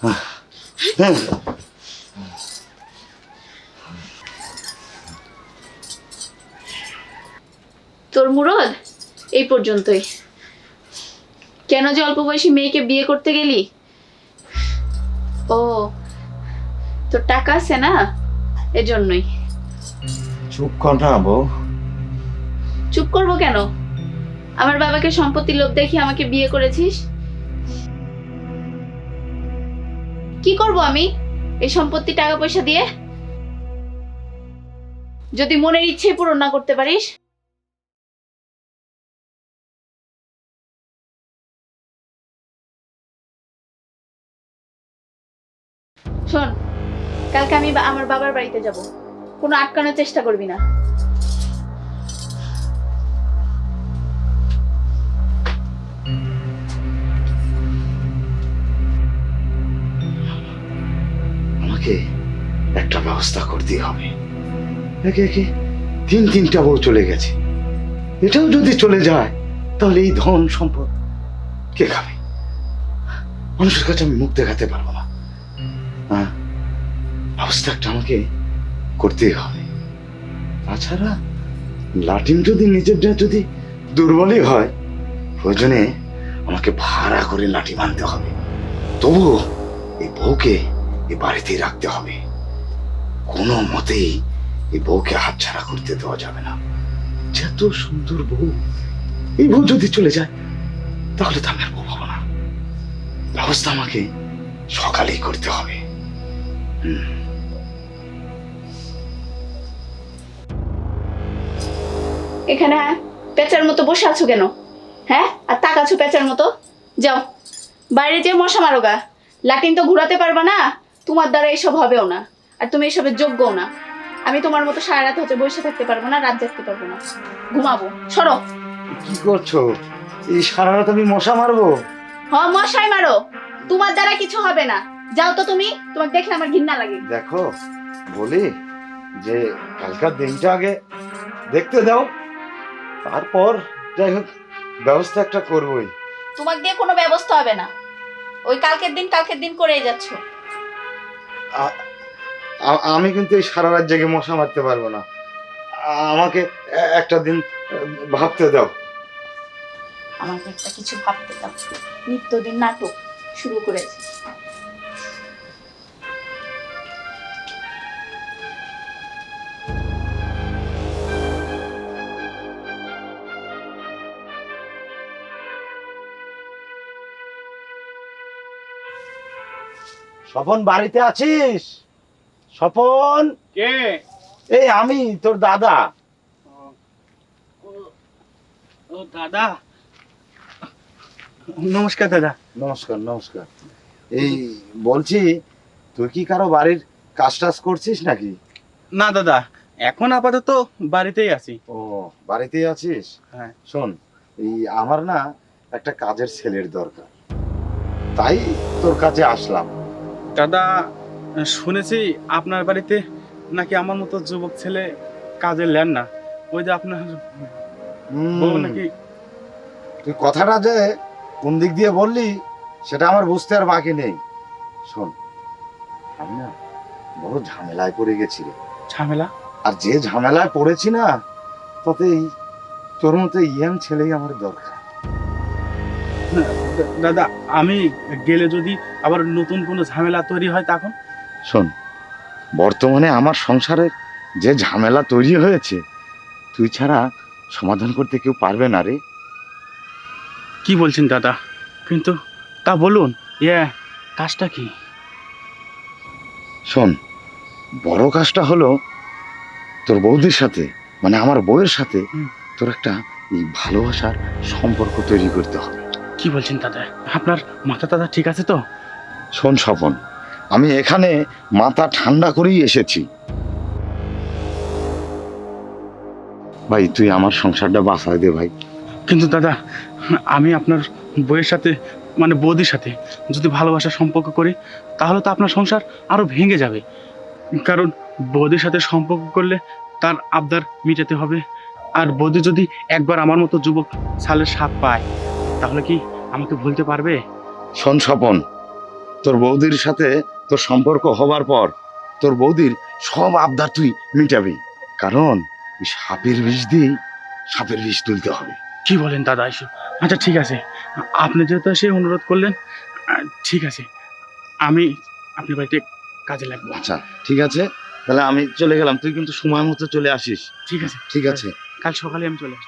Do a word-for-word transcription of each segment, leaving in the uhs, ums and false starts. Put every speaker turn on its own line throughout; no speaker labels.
তোর মুরদ এই পর্যন্তই। কেন যে অল্প বয়সী মেয়েকে বিয়ে করতে গেলি? ও, তোর টাকা আছে না, এজন্যই।
চুপ কর না বউ।
চুপ করবো কেন? আমার বাবাকে সম্পত্তির লোভ দেখি আমাকে বিয়ে করেছিস। কি করব আমি এই সম্পত্তি টাকা পয়সা দিয়ে? যদি মনের ইচ্ছে পূরণ না করতে পারিস? শোন, কালকে আমি আমার বাবার বাড়িতে যাব, কোনো আটকানোর চেষ্টা করবি না।
আমাকে একটা ব্যবস্থা করতে হবে। একে একে তিন তিনটা বউ চলে গেছে, এটাও যদি চলে যায় তাহলে এই ধন সম্পদ কে খাবে? মানুষের কাছে আমি মুখ দেখাতে পারবো না। হ্যাঁ, ব্যবস্থা একটা আমাকে করতেই হবে। তাছাড়া লাটিম যদি নিজেরটা যদি দুর্বলই হয়, প্রয়োজনে আমাকে ভাড়া করে লাঠি মানতে হবে। তবুও এই বউকে এই বাড়িতেই রাখতে হবে। কোনো মতেই এই বউকে হাতছাড়া করতে দেওয়া যাবে না। যত সুন্দর বউ, এই বউ যদি চলে যায় তাহলে তো আমি আর বউ পাবো না। ব্যবস্থা আমাকে সকালেই করতে হবে। হুম।
এখানে পেঁচার মতো বসে আছো কেন? হ্যাঁ, আর তাকাছো পেঁচার মতো? যাও বাইরে যে মশা মারো গা। লাটিন তো ঘুরাতে পারবা না, তোমার দ্বারা এসব হবেও না, আর তুমি এসবের যোগ্যও না। আমি তোমার মতো সারা রাত হচ্ছে বসে থাকতে পারবো না, রাত জাগতে পারবো না, ঘুমাবো। সরো।
কি করছো? এই সারা রাত আমি মশা মারবো?
হ, মশাই মারো, তোমার দ্বারা কিছু হবে না। যাও তো তুমি, তোমাকে দেখলে আমার ঘৃণা লাগে।
দেখো বলি যে কালকার দিনটা আগে দেখতে দাও, তারপর যাই হোক ব্যবস্থা একটা করবোই।
তোমাকে দিয়ে কোনো ব্যবস্থা হবে না, ওই কালকের দিন কালকের দিন করেই যাচ্ছ।
আ- আ- আমি কিন্তু এই সারা রাত জেগে মশা মারতে পারবো না। আ- আমাকে এ- একটা দিন ভাবতে দাও।
আমাকে একটা কিছু ভাবতে দাও। নিত্যদিন নাটক শুরু করেছে।
স্বপন বাড়িতে আছিস? স্বপন?
কে?
এই আমি তোর দাদা।
ও দাদা, নমস্কার দাদা।
নমস্কার নমস্কার। এই বলছি, তুই কি কারো বাড়ির কাজ টাজ করছিস নাকি?
না দাদা, এখন আপাতত বাড়িতেই আছি।
ও, বাড়িতেই আছিস?
হ্যাঁ।
শোন, এই আমার না একটা কাজের ছেলের দরকার, তাই তোর কাছে আসলাম।
দাদা, শুনেছি আপনার বাড়িতে নাকি আমার মতো যুবক ছেলে কাজে নেন না। ওই যে আপনার
হুম,
বউ নাকি।
তুই কথাটা যে কোন দিক দিয়ে বললি সেটা আমার বুঝতে আর বাকি নেই। শোন, আমি না বড় ঝামেলায় পড়ে গেছি রে।
ঝামেলা?
আর যে ঝামেলায় পড়েছি না, তাতে এই তোর মতো ইয়াং ছেলেই আমার দরকার।
দাদা, আমি গেলে যদি আবার নতুন কোনো ঝামেলা তৈরি হয় তখন?
শোন, বর্তমানে আমার সংসারের যে ঝামেলা তৈরি হয়েছে, তুই ছাড়া সমাধান করতে কেউ পারবে না রে।
কি বলছেন দাদা? কিন্তু তা বলুন, ইয়ে কাজটা কি?
শোন, বড় কাজটা হলো তোর বৌদির সাথে, মানে আমার বউয়ের সাথে
হুম।
তোর একটা এই ভালোবাসার সম্পর্ক তৈরি করতে হবে।
কি বলছেন দাদা? আপনার মাথা দাদা ঠিক আছে তো?
শোন স্বপন, আমি এখানে মাথা ঠান্ডা করেই এসেছি। ভাই, তুই আমার সংসারটা বাঁচাই দে ভাই।
কিন্তু দাদা, আমি আপনার বউয়ের সাথে মানে বৌদির সাথে যদি ভালোবাসার সম্পর্ক করি তাহলে তো আপনার সংসার আরো ভেঙে যাবে। কারণ বৌদির সাথে সম্পর্ক করলে তার আবদার মিটাতে হবে। আর বৌদি যদি একবার আমার মতো যুবক ছালের স্বাদ পায় তাহলে কি আমাকে ভুলতে পারবে?
শোন স্বপন, তোর বৌদির সাথে তোর সম্পর্ক হবার পর তোর বৌদির সব আবদার তুই মিটাবি, কারণ ওই সাপের বিষ দিয়ে সাপের বিষ তুলতে হবে।
কি বলেন দাদা এসব? আচ্ছা ঠিক আছে, আপনি যেহেতু এসে অনুরোধ করলেন, আহ, ঠিক আছে, আমি আপনার বাড়িতে কাজে লাগবো।
আচ্ছা ঠিক আছে, তাহলে আমি চলে গেলাম, তুই কিন্তু সময় মতো চলে আসিস।
ঠিক আছে,
ঠিক আছে।
কাল সকালে আমি চলে আসবো।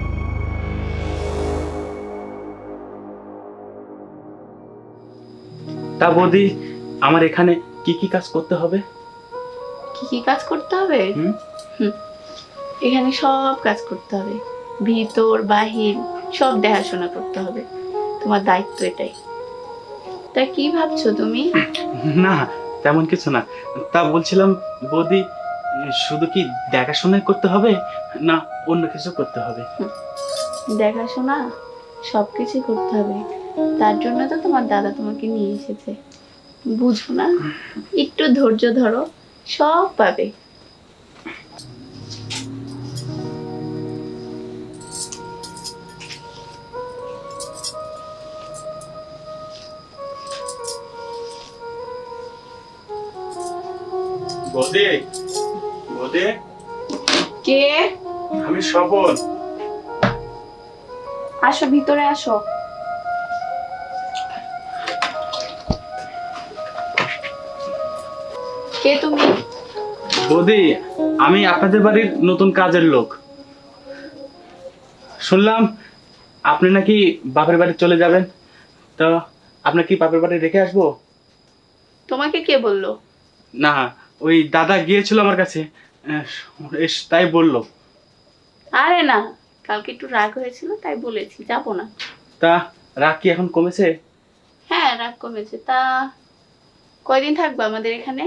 তা বৌদি, আমার এখানে কি কি কাজ করতে হবে?
কি কি কাজ করতে হবে?
হুম?
হুম, এখানে সব কাজ করতে হবে, ভিতর বাহির সব দেখাশোনা করতে হবে, তোমার দায়িত্ব এটাই। তা কি ভাবছো তুমি?
না, তেমন কিছু না। তা বলছিলাম বৌদি, শুধু কি দেখাশোনাই করতে হবে না অন্য কিছু করতে হবে?
দেখাশোনা সব কিছুই করতে হবে, তার জন্য তো তোমার দাদা তোমাকে নিয়ে এসেছে, বুঝো না? একটু ধৈর্য ধরো, সব পাবে।
বৌদি, বৌদি,
কে?
আমি স্বপন।
আসো, ভিতরে আসো। কে তুমি?
বৌদি, আমি আপনাদের বাড়ির নতুন কাজের লোক। শুনলাম আপনি নাকি বাপের বাড়ি চলে যাবেন, তো আপনার কি বাপের বাড়ি রেখে আসবো?
তোমাকে কে বললো?
না, ওই দাদা গিয়েছিল আমার কাছে, আহ, এস- তাই বললো।
আরে না, কালকে একটু রাগ হয়েছিল তাই বলেছি যাবো না।
তা রাগ কি এখন কমেছে?
হ্যাঁ, রাগ কমেছে। তা কয়দিন থাকবে আমাদের এখানে?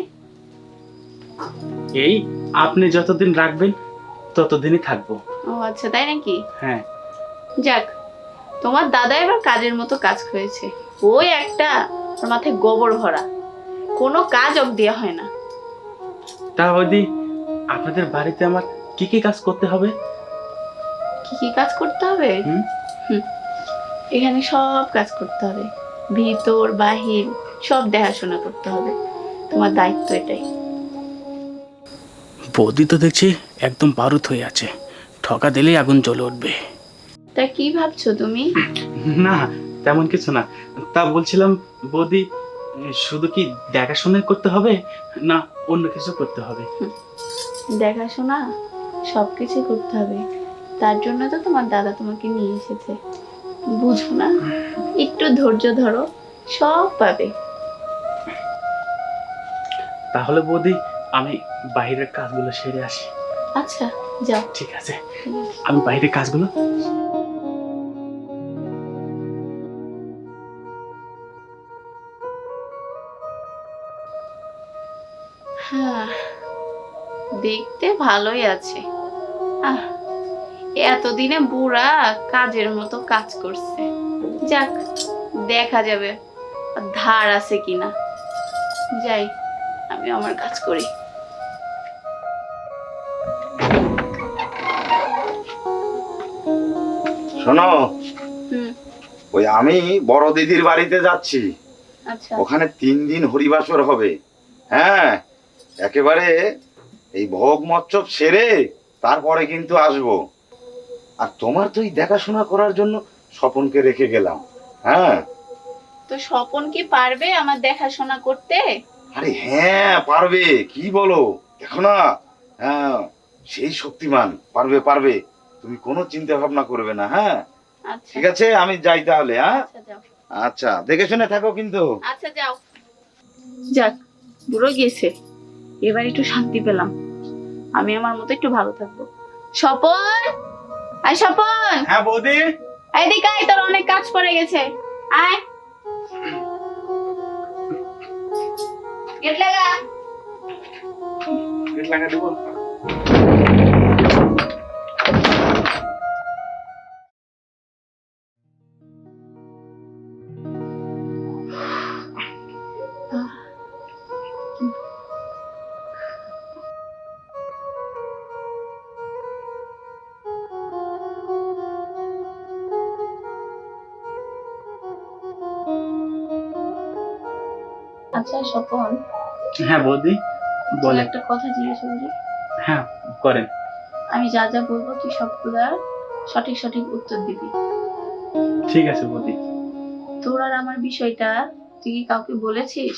এই আপনি যতদিন রাখবেন ততদিনই থাকবো।
ও আচ্ছা, তাই নাকি?
হ্যাঁ।
যাক, তোমার দাদা এবার কাজের মতো কাজ করেছে। ওই একটা, ওর মাথায় গোবর ভরা, কোনো কাজ অব দেওয়া হয় না।
তা বৌদি, আপনাদের বাড়িতে আমার কি কি কাজ করতে হবে?
কি কি কাজ করতে হবে?
হুম?
হুম, এখানে সব কাজ করতে হবে, ভিতর বাহির সব দেখাশোনা করতে হবে, তোমার দায়িত্ব এটাই।
বৌদি তো দেখছি একদম বারুদ হয়ে আছে, ঠকা দিলেই আগুন জ্বলে উঠবে।
তা কি ভাবছো তুমি?
না, তেমন কিছু না। তা বলছিলাম বৌদি, শুধু কি দেখাশোনাই করতে হবে না অন্য কিছু করতে হবে?
দেখাশোনা সব কিছু করতে হবে, তার জন্য তো তোমার দাদা তোমাকে নিয়ে এসেছে, বুঝো না? একটু ধৈর্য ধরো, সব পাবে।
তাহলে বৌদি, আমি বাইরের কাজগুলো সেরে আসি।
আচ্ছা, যাও।
ঠিক আছে, আমি বাইরের কাজগুলো।
হ্যাঁ, দেখতে ভালোই আছে। আহ, এতদিনে বুড়া কাজের মতো কাজ করছে। যাক, দেখা যাবে আর ধার আছে কিনা। যাই, আমি আমার কাজ করি।
শোনো,
হুম,
ওই আমি বড় দিদির বাড়িতে যাচ্ছি,
আচ্ছা।
ওখানে তিন দিন হরিবাসর হবে। হ্যাঁ, একেবারে এই ভোগ মচ্ছব সেরে তারপরে কিন্তু আসবো। আর তোমার তো এই দেখাশোনা করার জন্য স্বপনকে রেখে গেলাম। হ্যাঁ।
তো স্বপন কি পারবে আমার দেখাশোনা করতে?
আরে হ্যাঁ, পারবে, কি বলো, দেখো না, হ্যাঁ, সেই শক্তিমান, পারবে পারবে, তুমি কোনো চিন্তা ভাবনা করবে না। হ্যাঁ,
আচ্ছা,
ঠিক আছে, আমি যাই তাহলে। হ্যাঁ,
আচ্ছা যাও।
আচ্ছা, দেখে শুনে থাকো কিন্তু।
আচ্ছা যাও। যাক, বুড়ো গেছে, এবার একটু শান্তি পেলাম, আমি আমার মতো একটু ভালো থাকবো। স্বপন, আয় স্বপন,
হ্যাঁ বৌদি।
এদিকে আয়, তোর অনেক কাজ পড়ে গেছে, আয়। গেট লাগা।
গেট লাগা দেবো।
আচ্ছা স্বপন,
হ্যাঁ বৌদি
তোর
বলে।
একটা কথা জিজ্ঞেস করি।
হ্যাঁ করেন।
আমি যা যা বলবো তুই সবগুলার সঠিক সঠিক উত্তর দিবি।
ঠিক আছে বৌদি।
তোর আর আমার বিষয়টা তুই কি কাউকে বলেছিস?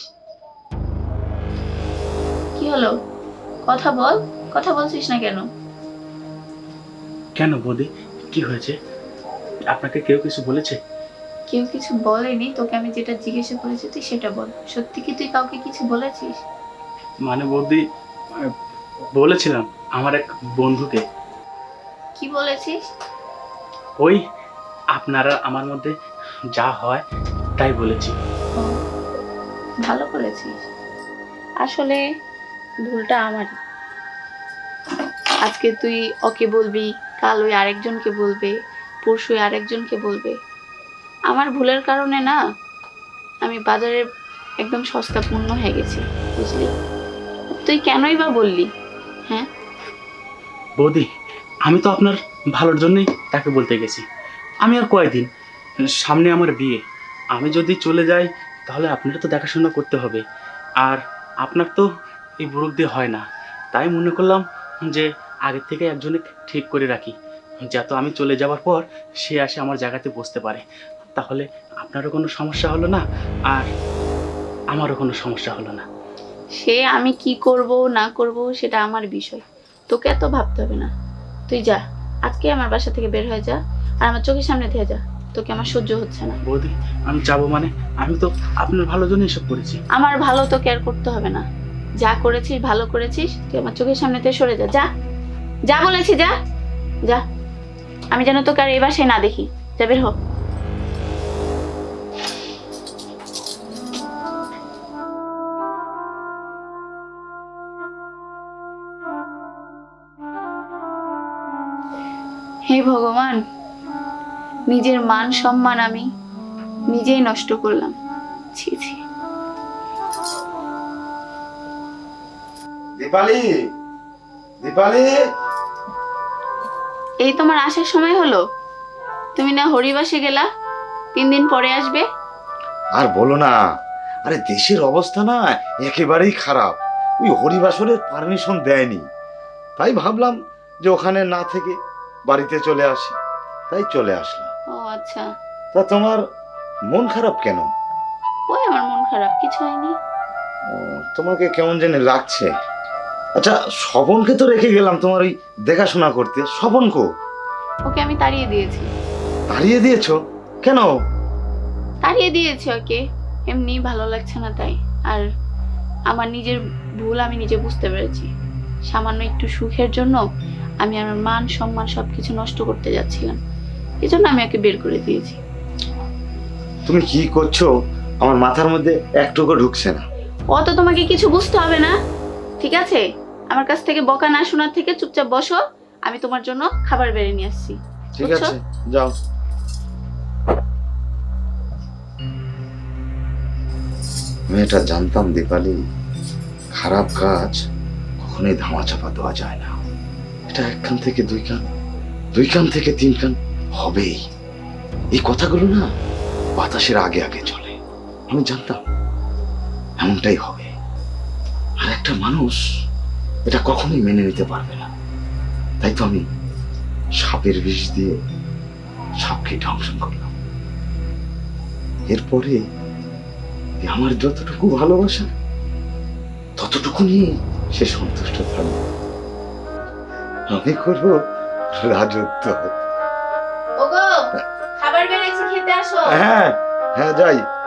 কি হলো, কথা বল, কথা বলছিস না কেন?
কেন বৌদি, কি হয়েছে? আপনাকে কেউ কিছু বলেছে?
কেউ কিছু বলেনি, তোকে আমি যেটা জিজ্ঞাসা করেছি তুই সেটা বল। সত্যি কি তুই কাউকে কিছু বলেছিস?
মানে বৌদি, আহ, বলেছিলাম আমার এক বন্ধুকে।
কি বলেছিস?
ওই আপনারা আমার মধ্যে যা হয় তাই বলেছি।
ও, ভালো করেছিস। আসলে ভুলটা আমারই। আজকে তুই ওকে বলবি, কাল ওই আরেকজনকে বলবে, পরশু ওই আরেকজনকে বলবে। আমার ভুলের কারণে না আমি বাজারে একদম সস্তা পূর্ণ হয়ে গেছি, বুঝলি? তুই কেনই বা বললি? হ্যাঁ,
বৌদি, আমি তো আপনার ভালোর জন্যই তাকে বলতে গেছি। আমি আর কয়দিন, সামনে আমার বিয়ে। আমি যদি চলে যাই তাহলে আপনার তো দেখাশোনা করতে হবে, আর আপনার তো এই বুড়োক দিয়ে হয় না। তাই মনে করলাম যে আগের থেকে একজনে ঠিক করে রাখি, যাতে আমি চলে যাওয়ার পর সে আসে আমার জায়গাতে বসতে পারে। তাহলে আপনারও কোনো সমস্যা হলো না, আর আমারও কোনো সমস্যা হলো না।
সে আমি কি করব না করব সেটা আমার বিষয়, তোকে এত ভাবতে হবে না। তুই যা, আজকে আমার বাসা থেকে বের হয়ে যা, আর আমার চোখের সামনে থেকে যা। তোকে আমার সহ্য হচ্ছে না।
বৌদি, আমি যাবো মানে? আমি তো আপনার ভালোর জন্য এসব করেছি।
আমার ভালো তো কেয়ার করতে হবে না। যা করেছিস ভালো করেছিস, তুই আমার চোখের সামনে থেকে সরে যা। যা, যা বলেছি, যা যা। আমি যেন তোকে আর এই বাসায় না দেখি। যা, বের হ। হে ভগবান, নিজের মান সম্মান আমি নিজেই নষ্ট করলাম। ছি ছি।
দীপালি, দীপালি,
এই তোমার আসার সময় হলো? তুমি না হরিবাসে গেলা, তিন দিন পরে আসবে।
আর বলো না, আরে দেশের অবস্থা না একেবারেই খারাপ। ওই হরিবাসরের পারমিশন দেয়নি, তাই ভাবলাম যে ওখানে না থেকে বাড়িতে চলে আসি, তাই চলে আসলাম।
ও আচ্ছা।
তা তোমার মন খারাপ কেন?
ওই আমার মন খারাপ, কিছু হয়নি।
ও, তোমাকে কেমন জানি লাগছে। আচ্ছা, স্বপনকে তো রেখে গেলাম তোমার ওই দেখাশোনা করতে। স্বপন কো?
ওকে আমি তাড়িয়ে দিয়েছি।
তাড়িয়ে দিয়েছো কেন?
তাড়িয়ে দিয়েছি ওকে, এমনি ভালো লাগছে না তাই। আর আমার নিজের ভুল আমি নিজে বুঝতে পেরেছি। সামান্য একটু সুখের জন্য আমি আমার মান সম্মান সবকিছু নষ্ট করতে যাচ্ছিলাম, এই জন্য আমি ওকে বের করে দিয়েছি।
তুমি কি করছো আমার মাথার মধ্যে একটুকু ঢুকছে না।
অত তোমাকে কিছু বুঝতে হবে না, ঠিক আছে? আমার কাছ থেকে বকা না শোনার থেকে চুপচাপ বসো, আমি তোমার জন্য খাবার বেড়ে নিয়ে আসছি।
ঠিক
বুঝছো?
আছে, যাও। মেয়েটা জানতাম দীপালি, খারাপ কাজ কখনোই ধামাচাপা দেওয়া যায় না। এটা এক কান থেকে দুই কান, দুই কান থেকে তিন কান হবেই। এই কথাগুলো না বাতাসের আগে আগে চলে। আমি জানতাম এমনটাই হবে, আর একটা মানুষ এটা কখনোই মেনে নিতে পারবে না। তাই তো আমি সাপের বিষ দিয়ে সাপকে ধ্বংসন করলাম। এরপরে এ আমার যতটুকু ভালোবাসা ততটুকু নিয়ে সে সন্তুষ্ট থাকবে। আমি করবো রাজত্ব।
ওগো, খাবার বেড়েছি, খেতে আসো।
হ্যাঁ হ্যাঁ, যাই।